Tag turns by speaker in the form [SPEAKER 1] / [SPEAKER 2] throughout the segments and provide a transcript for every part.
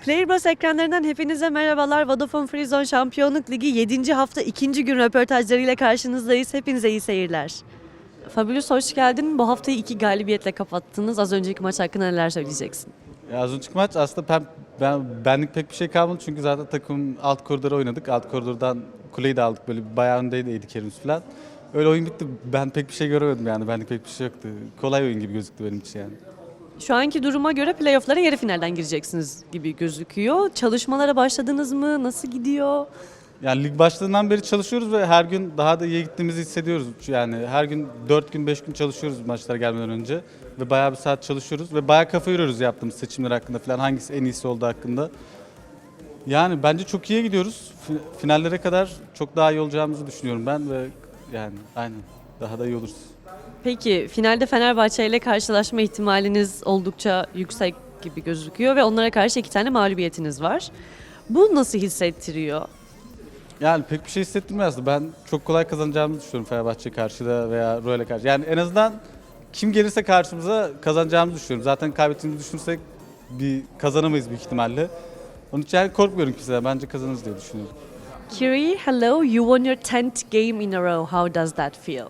[SPEAKER 1] Playerbus ekranlarından hepinize merhabalar. Vodafone Freezone Şampiyonluk Ligi 7. hafta 2. gün röportajlarıyla karşınızdayız. Hepinize iyi seyirler. Fabulous hoş geldin. Bu haftayı 2 galibiyetle kapattınız. Az önceki maç hakkında neler söyleyeceksin?
[SPEAKER 2] Ya az önceki maç aslında benlik pek bir şey kalmadı çünkü zaten takım alt koridora oynadık. Alt koridordan kuleyi de aldık, böyle bayağı öndeydi Kerimiz falan. Öyle oyun bitti. Ben pek bir şey göremedim yani. Benlik pek bir şey yoktu. Kolay oyun gibi gözüktü benim için yani.
[SPEAKER 1] Şu anki duruma göre playoff'lara yarı finalden gireceksiniz gibi gözüküyor. Çalışmalara başladınız mı? Nasıl gidiyor?
[SPEAKER 2] Yani lig başladığından beri çalışıyoruz ve her gün daha da iyi gittiğimizi hissediyoruz. Yani her gün 4 gün 5 gün çalışıyoruz maçlara gelmeden önce. Ve bayağı bir saat çalışıyoruz ve bayağı kafa yoruyoruz yaptığımız seçimler hakkında falan. Hangisi en iyisi olduğu hakkında. Yani bence çok iyiye gidiyoruz. Finallere kadar çok daha iyi olacağımızı düşünüyorum ben ve yani aynen daha da iyi oluruz.
[SPEAKER 1] Peki finalde Fenerbahçe ile karşılaşma ihtimaliniz oldukça yüksek gibi gözüküyor ve onlara karşı 2 tane mağlubiyetiniz var. Bu nasıl hissettiriyor?
[SPEAKER 2] Yani pek bir şey hissettirmiyor aslında. Ben çok kolay kazanacağımızı düşünüyorum Fenerbahçe karşıda veya Royal'e karşı. Yani en azından kim gelirse karşımıza kazanacağımızı düşünüyorum. Zaten kaybettiğimizi düşünürsek bir kazanamayız büyük ihtimalle. Onun için yani korkmuyorum kimseden. Bence kazanırız diye düşünüyorum.
[SPEAKER 1] Kiri, hello. You won your 10th game in a row. How does that feel?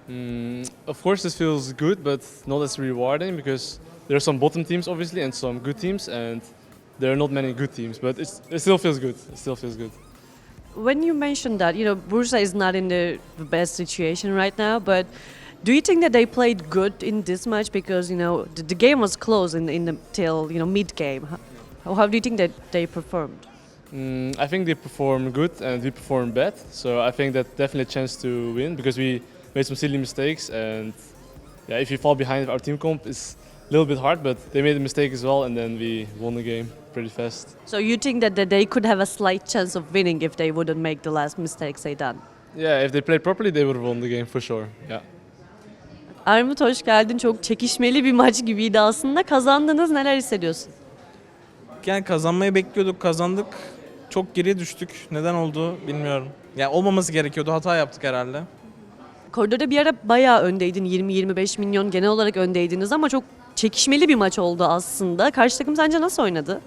[SPEAKER 3] Of course, this feels good, but not as rewarding because there are some bottom teams, obviously, and some good teams, and there are not many good teams. But it still feels good. It still feels good.
[SPEAKER 1] When you mentioned that, Bursa is not in the best situation right now, but do you think that they played good in this match because the game was close in the till mid game? How do you think that they performed?
[SPEAKER 3] I think they perform good and we perform bad, so I think that definitely a chance to win because we made some silly mistakes, and yeah, if you fall behind our team comp, it's a little bit hard, but they made a mistake as well, and then we won the game pretty fast.
[SPEAKER 1] So you think that they could have a slight chance of winning if they wouldn't make the last mistakes they done?
[SPEAKER 3] Yeah, if they played properly, they would have won the game for sure. Yeah.
[SPEAKER 1] Armut hoş geldin. Çok çekişmeli bir maç gibiydi aslında. Kazandınız. Neler hissediyorsun?
[SPEAKER 4] Yani kazanmayı bekliyorduk, kazandık. Çok geriye düştük. Neden oldu bilmiyorum. Yani olmaması gerekiyordu, hata yaptık herhalde.
[SPEAKER 1] Koridorda bir ara bayağı öndeydin. 20-25 milyon genel olarak öndeydiniz ama çok çekişmeli bir maç oldu aslında. Karşı takım sence nasıl oynadı?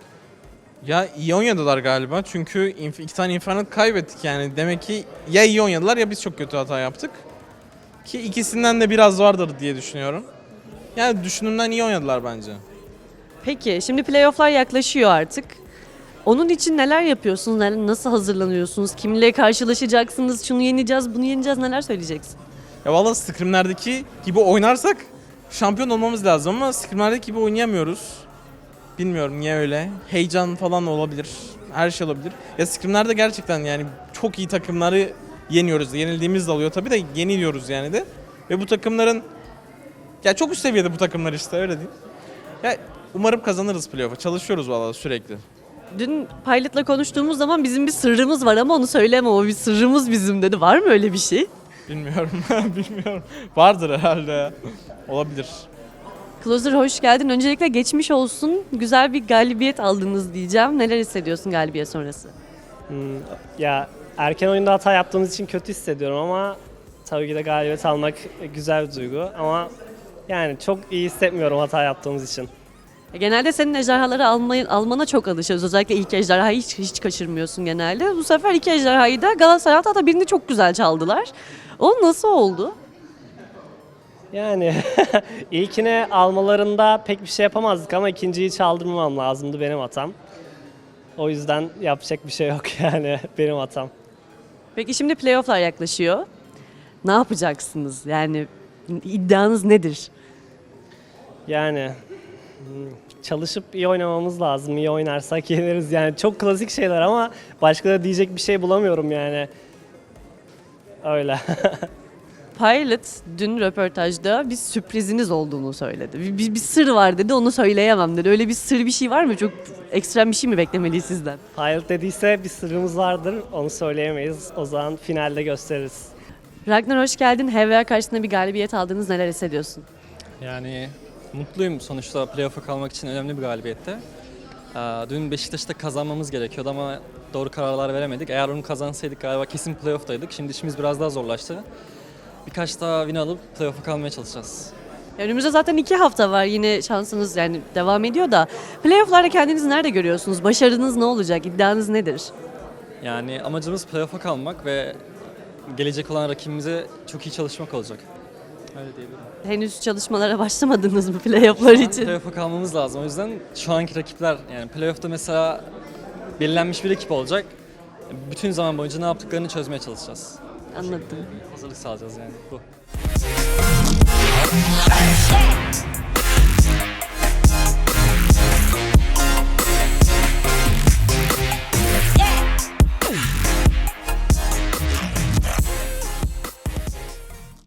[SPEAKER 4] Ya iyi oynadılar galiba çünkü 2 tane Inferno kaybettik yani. Demek ki ya iyi oynadılar ya biz çok kötü hata yaptık. Ki ikisinden de biraz vardır diye düşünüyorum. Yani düşündüğümden iyi oynadılar bence.
[SPEAKER 1] Peki şimdi playoff'lar yaklaşıyor artık. Onun için neler yapıyorsunuz? Nasıl hazırlanıyorsunuz? Kimle karşılaşacaksınız? Şunu yeneceğiz, bunu yeneceğiz. Neler söyleyeceksin?
[SPEAKER 4] Ya valla scrimlerdeki gibi oynarsak şampiyon olmamız lazım ama scrimlerdeki gibi oynayamıyoruz. Bilmiyorum niye öyle. Heyecan falan olabilir. Her şey olabilir. Ya scrimlerde gerçekten yani çok iyi takımları yeniyoruz. Yenildiğimiz de oluyor tabii de yeniliyoruz yani de. Ve bu takımların ya çok üst seviyede bu takımlar işte öyle diyeyim. Ya umarım kazanırız playoff'a. Çalışıyoruz valla sürekli.
[SPEAKER 1] Dün Pilot'la konuştuğumuz zaman bizim bir sırrımız var ama onu söyleme. O bir sırrımız bizim dedi. Var mı öyle bir şey?
[SPEAKER 4] Bilmiyorum. Bilmiyorum. Vardır herhalde ya. Olabilir.
[SPEAKER 1] Closer hoş geldin. Öncelikle geçmiş olsun. Güzel bir galibiyet aldınız diyeceğim. Neler hissediyorsun galibiyet sonrası?
[SPEAKER 5] Ya erken oyunda hata yaptığımız için kötü hissediyorum ama tabii ki de galibiyet almak güzel bir duygu ama yani çok iyi hissetmiyorum hata yaptığımız için.
[SPEAKER 1] Genelde senin ejderhaları almana çok alışıyoruz. Özellikle ilk ejderhayı hiç kaçırmıyorsun genelde. Bu sefer 2 ejderhayı da Galatasaray hatta birini çok güzel çaldılar. O nasıl oldu?
[SPEAKER 5] Yani ilkine almalarında pek bir şey yapamazdık ama ikinciyi çaldırmamam lazımdı, benim hatam. O yüzden yapacak bir şey yok yani, benim hatam.
[SPEAKER 1] Peki şimdi playoff'lar yaklaşıyor. Ne yapacaksınız? Yani iddianız nedir?
[SPEAKER 5] Yani çalışıp iyi oynamamız lazım. İyi oynarsak yeneriz. Yani çok klasik şeyler ama başka da diyecek bir şey bulamıyorum yani. Öyle.
[SPEAKER 1] Pilot dün röportajda bir sürpriziniz olduğunu söyledi. Bir sır var dedi, onu söyleyemem dedi. Öyle bir sır bir şey var mı? Çok ekstrem bir şey mi beklemeliyiz sizden?
[SPEAKER 5] Pilot dediyse bir sırrımız vardır. Onu söyleyemeyiz. O zaman finalde gösteririz.
[SPEAKER 1] Ragnar hoş geldin. HVA karşısında bir galibiyet aldınız. Neler hissediyorsun?
[SPEAKER 6] Yani mutluyum, sonuçta playoff'a kalmak için önemli bir galibiyette. Dün Beşiktaş'ta kazanmamız gerekiyordu ama doğru kararlar veremedik. Eğer onu kazansaydık galiba kesin playoff'taydık. Şimdi işimiz biraz daha zorlaştı. Birkaç daha win alıp playoff'a kalmaya çalışacağız.
[SPEAKER 1] Önümüzde zaten 2 hafta var. Yine şansınız yani devam ediyor da. Playoff'larda kendinizi nerede görüyorsunuz? Başarınız ne olacak? İddianız nedir?
[SPEAKER 6] Yani amacımız playoff'a kalmak ve gelecek olan rakibimize çok iyi çalışmak olacak. Öyle diyebilirim.
[SPEAKER 1] Henüz çalışmalara başlamadınız mı playoff'lar için?
[SPEAKER 6] Playoff'a kalmamız lazım. O yüzden şu anki rakipler, yani playoff'ta mesela belirlenmiş bir ekip olacak. Bütün zaman boyunca ne yaptıklarını çözmeye çalışacağız.
[SPEAKER 1] Anladım.
[SPEAKER 6] Hazırlık sağlayacağız yani bu.